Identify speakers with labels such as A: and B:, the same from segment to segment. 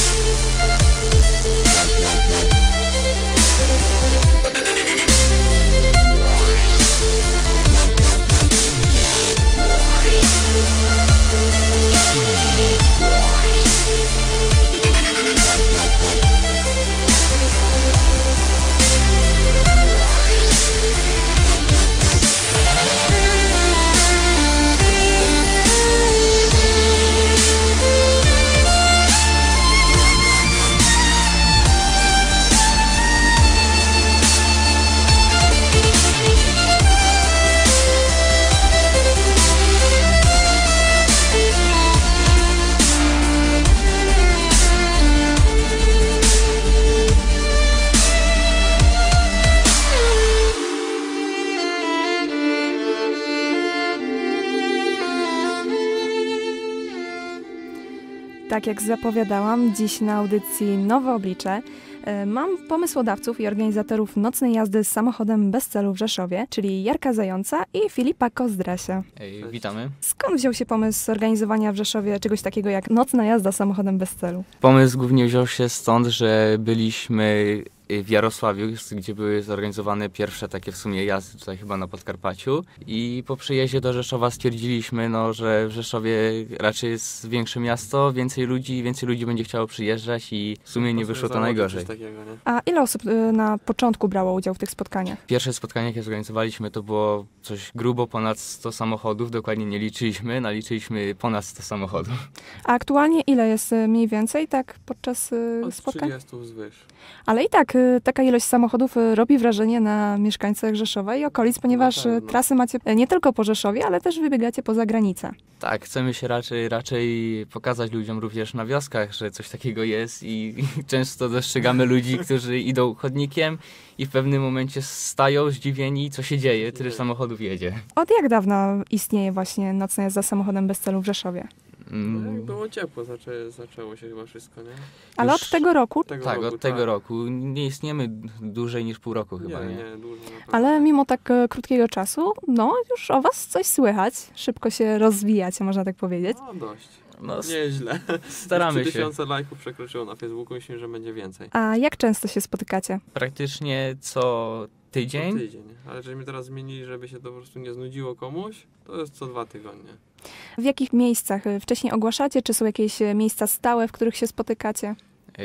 A: Tak jak zapowiadałam, dziś na audycji Nowe Oblicze mam pomysłodawców i organizatorów nocnej jazdy z samochodem bez celu w Rzeszowie, czyli Jarka Zająca i Filipa Kozdrasia.
B: Witamy.
A: Skąd wziął się pomysł zorganizowania w Rzeszowie czegoś takiego jak nocna jazda samochodem bez celu?
B: Pomysł głównie wziął się stąd, że byliśmy w Jarosławiu, gdzie były zorganizowane pierwsze takie w sumie jazdy tutaj chyba na Podkarpaciu i po przyjeździe do Rzeszowa stwierdziliśmy, że w Rzeszowie raczej jest większe miasto, więcej ludzi będzie chciało przyjeżdżać i w sumie nie wyszło to najgorzej.
A: A ile osób na początku brało udział w tych spotkaniach?
B: Pierwsze spotkanie, jakie zorganizowaliśmy, to było coś grubo ponad 100 samochodów, dokładnie nie liczyliśmy, naliczyliśmy ponad 100 samochodów.
A: A aktualnie ile jest mniej więcej tak podczas spotkań?
C: Od 30 wzwyż.
A: Ale i tak taka ilość samochodów robi wrażenie na mieszkańcach Rzeszowa i okolic, ponieważ trasy macie nie tylko po Rzeszowie, ale też wybiegacie poza granicę.
B: Tak, chcemy się raczej pokazać ludziom również na wioskach, że coś takiego jest i często dostrzegamy ludzi, którzy idą chodnikiem i w pewnym momencie stają zdziwieni, co się dzieje, tyle samochodów jedzie.
A: Od jak dawna istnieje właśnie nocna jazda samochodem bez celu w Rzeszowie?
C: No jak było ciepło, zaczęło się chyba wszystko, nie?
A: Ale od tego roku?
B: Od tego roku. Nie istniejemy dłużej niż pół roku chyba, nie?
C: Nie, dłużej.
A: Ale mimo tak krótkiego czasu, już o was coś słychać. Szybko się rozwijacie, można tak powiedzieć.
C: No dość.
B: No,
C: nieźle.
B: Staramy się.
C: 3000 lajków przekroczyło na Facebooku, myślę, że będzie więcej.
A: A jak często się spotykacie?
B: Praktycznie co tydzień.
C: Co tydzień. Ale żeśmy teraz zmienili, żeby się to po prostu nie znudziło komuś, to jest co 2 tygodnie.
A: W jakich miejscach wcześniej ogłaszacie? Czy są jakieś miejsca stałe, w których się spotykacie?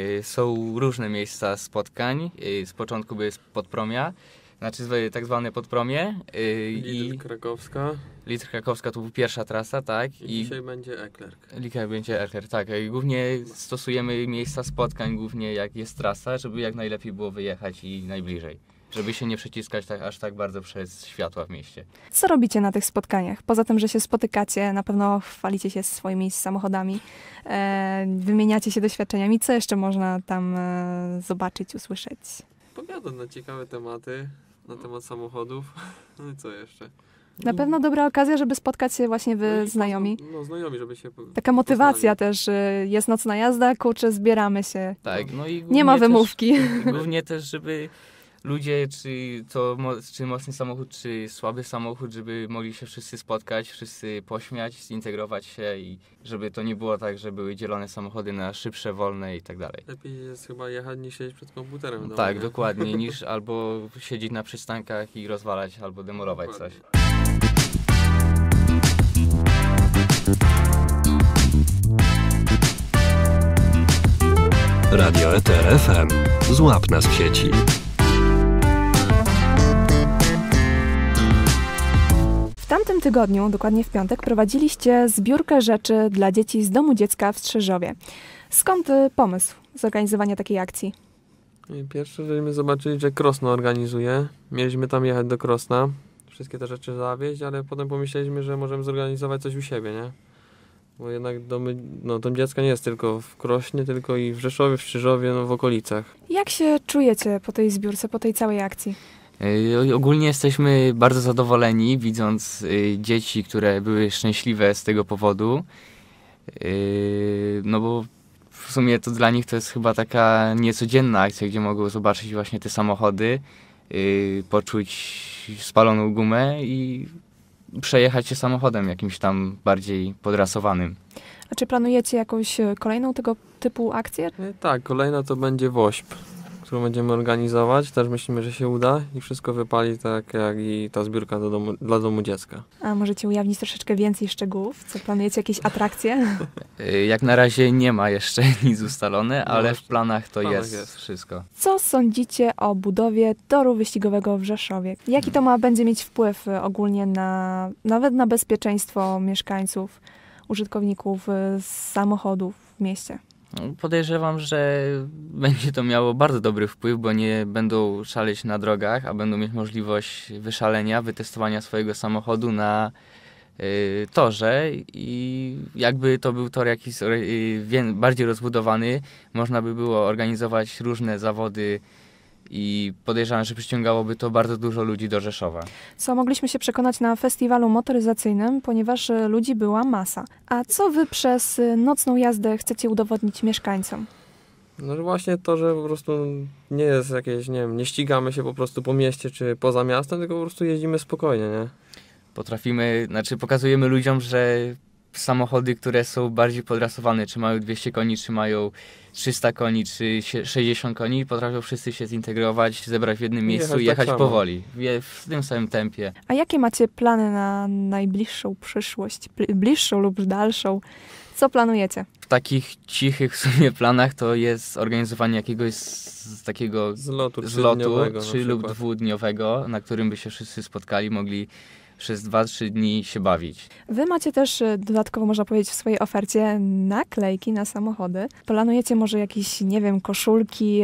B: Są różne miejsca spotkań. Z początku były Podpromia, znaczy tak zwane Podpromie.
C: Lidl Krakowska.
B: Lidl Krakowska to była pierwsza trasa, tak?
C: I dzisiaj będzie Eklerk.
B: Dzisiaj będzie Eklerk, tak. Głównie stosujemy miejsca spotkań, głównie jak jest trasa, żeby jak najlepiej było wyjechać i najbliżej. Żeby się nie przeciskać aż tak bardzo przez światła w mieście.
A: Co robicie na tych spotkaniach? Poza tym, że się spotykacie, na pewno chwalicie się swoimi samochodami, wymieniacie się doświadczeniami. Co jeszcze można tam zobaczyć, usłyszeć?
C: Powiadam na ciekawe tematy, na temat samochodów. No i co jeszcze?
A: Na pewno dobra okazja, żeby spotkać się właśnie znajomi.
C: No znajomi, żeby się
A: Taka motywacja też, jest nocna jazda, kurczę, zbieramy się.
B: Tak, no i
A: nie ma wymówki.
B: Głównie też, żeby ludzie, czy mocny samochód, czy słaby samochód, żeby mogli się wszyscy spotkać, wszyscy pośmiać, zintegrować się i żeby to nie było tak, że były dzielone samochody na szybsze, wolne i tak dalej.
C: Lepiej jest chyba jechać niż siedzieć przed komputerem.
B: No tak, dokładnie, niż albo siedzieć na przystankach i rozwalać, albo demolować coś.
D: Radio Eter FM. Złap nas w sieci.
A: W tamtym tygodniu, dokładnie w piątek, prowadziliście zbiórkę rzeczy dla dzieci z Domu Dziecka w Strzeżowie. Skąd pomysł zorganizowania takiej akcji?
C: Pierwsze, żeśmy zobaczyli, że Krosno organizuje. Mieliśmy tam jechać do Krosna, wszystkie te rzeczy zawieźć, ale potem pomyśleliśmy, że możemy zorganizować coś u siebie, nie? Bo jednak Dom Dziecka nie jest tylko w Krośnie, tylko i w Rzeszowie, w Strzeżowie, w okolicach.
A: Jak się czujecie po tej zbiórce, po tej całej akcji?
B: Ogólnie jesteśmy bardzo zadowoleni, widząc dzieci, które były szczęśliwe z tego powodu. No bo w sumie to dla nich to jest chyba taka niecodzienna akcja, gdzie mogą zobaczyć właśnie te samochody, poczuć spaloną gumę i przejechać się samochodem jakimś tam bardziej podrasowanym.
A: A czy planujecie jakąś kolejną tego typu akcję?
C: Tak, kolejna to będzie WOŚP, którą będziemy organizować. Też myślimy, że się uda i wszystko wypali tak jak i ta zbiórka dla domu dziecka.
A: A możecie ujawnić troszeczkę więcej szczegółów? Co planujecie, jakieś atrakcje?
B: Jak na razie nie ma jeszcze nic ustalone,
C: No
B: ale
C: właśnie,
B: w planach to
C: w planach
B: jest
C: jest.
B: wszystko.
A: Co sądzicie o budowie toru wyścigowego w Rzeszowie? Jaki to będzie mieć wpływ ogólnie nawet na bezpieczeństwo mieszkańców, użytkowników samochodów w mieście?
B: Podejrzewam, że będzie to miało bardzo dobry wpływ, bo nie będą szaleć na drogach, a będą mieć możliwość wyszalenia, wytestowania swojego samochodu na torze i jakby to był tor jakiś bardziej rozbudowany, można by było organizować różne zawody i podejrzewam, że przyciągałoby to bardzo dużo ludzi do Rzeszowa.
A: Co mogliśmy się przekonać na festiwalu motoryzacyjnym, ponieważ ludzi była masa. A co wy przez nocną jazdę chcecie udowodnić mieszkańcom?
C: No że właśnie to, że po prostu nie jest jakieś, nie wiem, nie ścigamy się po prostu po mieście czy poza miastem, tylko po prostu jeździmy spokojnie, nie?
B: Pokazujemy ludziom, że samochody, które są bardziej podrasowane, czy mają 200 koni, czy mają 300 koni, czy 60 koni, potrafią wszyscy się zintegrować, zebrać w jednym miejscu i jechać
C: tak
B: powoli, w tym samym tempie.
A: A jakie macie plany na najbliższą przyszłość, bliższą lub dalszą? Co planujecie?
B: W takich cichych w sumie planach to jest organizowanie jakiegoś takiego
C: Zlotu
B: 3 lub 2-dniowego, na którym by się wszyscy spotkali, mogli przez 2-3 dni się bawić.
A: Wy macie też dodatkowo, można powiedzieć, w swojej ofercie naklejki na samochody. Planujecie może jakieś, nie wiem, koszulki,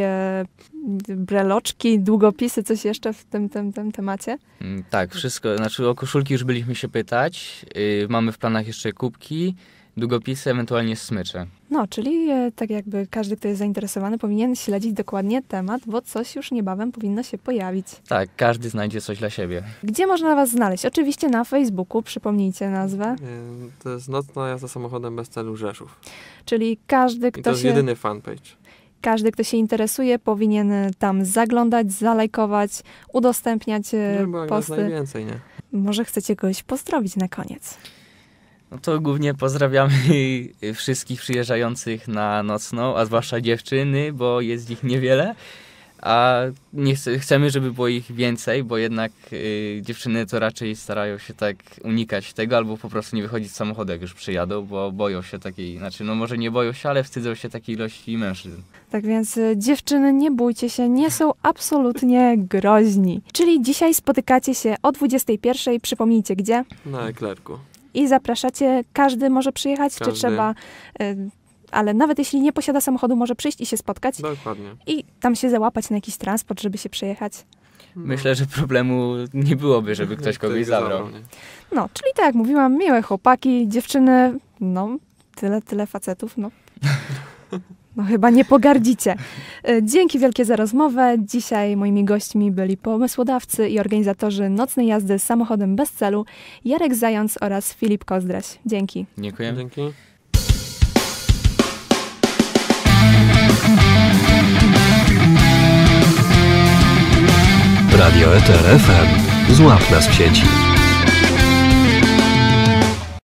A: breloczki, długopisy, coś jeszcze w tym temacie?
B: Tak, wszystko. O koszulki już byliśmy się pytać. Mamy w planach jeszcze kubki, długopisy, ewentualnie smycze.
A: No, czyli tak jakby każdy, kto jest zainteresowany, powinien śledzić dokładnie temat, bo coś już niebawem powinno się pojawić.
B: Tak, każdy znajdzie coś dla siebie.
A: Gdzie można was znaleźć? Oczywiście na Facebooku, przypomnijcie nazwę.
C: To jest Nocna jazda samochodem bez celu Rzeszów.
A: Czyli każdy,
C: I to
A: kto
C: jest
A: się...
C: jedyny fanpage.
A: Każdy, kto się interesuje, powinien tam zaglądać, zalajkować, udostępniać
C: Żeby było jak nas
A: posty.
C: najwięcej, nie?
A: Może chcecie kogoś pozdrowić na koniec.
B: No to głównie pozdrawiamy wszystkich przyjeżdżających na Nocną, a zwłaszcza dziewczyny, bo jest ich niewiele. A chcemy, żeby było ich więcej, bo jednak dziewczyny to raczej starają się tak unikać tego, albo po prostu nie wychodzić z samochodu, jak już przyjadą, bo boją się takiej, może nie boją się, ale wstydzą się takiej ilości mężczyzn.
A: Tak więc dziewczyny, nie bójcie się, nie są absolutnie groźni. Czyli dzisiaj spotykacie się o 21:00, przypomnijcie gdzie?
C: Na Eklerku.
A: I zapraszacie, każdy może przyjechać, czy
C: Każdy.
A: trzeba... Ale nawet jeśli nie posiada samochodu, może przyjść i się spotkać
C: Dokładnie.
A: i tam się załapać na jakiś transport, żeby się przejechać.
B: Myślę, że problemu nie byłoby, żeby ktoś kogoś zabrał.
C: nie?
A: No, czyli tak jak mówiłam, miłe chłopaki, dziewczyny, no, tyle facetów, no. No chyba nie pogardzicie. Dzięki wielkie za rozmowę. Dzisiaj moimi gośćmi byli pomysłodawcy i organizatorzy nocnej jazdy samochodem bez celu Jarek Zając oraz Filip Kozdraś. Dzięki.
B: Dziękuję.
C: Dzięki.
D: Radio Eter FM. Złap nas w sieci.